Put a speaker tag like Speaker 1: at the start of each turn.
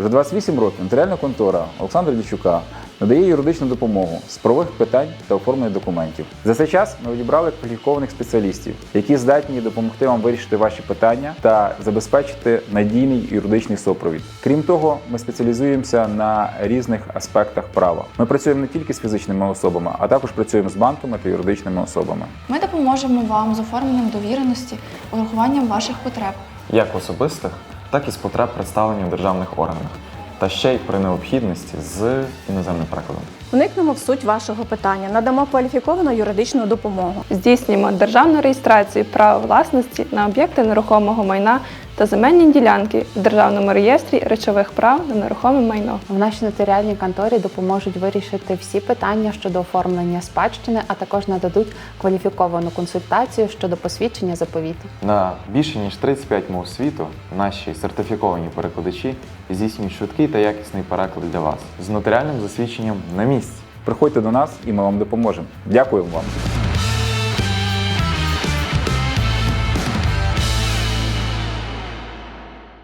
Speaker 1: Вже 28 років нотаріальна контора Олександра Дячука надає юридичну допомогу з правових питань та оформлення документів. За цей час ми відібрали кваліфікованих спеціалістів, які здатні допомогти вам вирішити ваші питання та забезпечити надійний юридичний супровід. Крім того, ми спеціалізуємося на різних аспектах права. Ми працюємо не тільки з фізичними особами, а також працюємо з банками та юридичними особами.
Speaker 2: Ми допоможемо вам з оформленням довіреності, урахуванням ваших потреб.
Speaker 3: Як особистих, так і з потреб представлення в державних органах. Та ще й при необхідності з іноземним перекладом.
Speaker 4: Вникнемо в суть вашого питання, надамо кваліфіковану юридичну допомогу.
Speaker 5: Здійснюємо державну реєстрацію права власності на об'єкти нерухомого майна та земельні ділянки в Державному реєстрі речових прав на нерухоме майно.
Speaker 6: В нашій нотаріальній конторі допоможуть вирішити всі питання щодо оформлення спадщини, а також нададуть кваліфіковану консультацію щодо посвідчення заповіту.
Speaker 3: На більше ніж 35 мов світу наші сертифіковані перекладачі здійснюють швидкий та якісний переклад для вас з нотаріальним засвідченням на місці.
Speaker 1: Приходьте до нас і ми вам допоможемо. Дякуємо вам!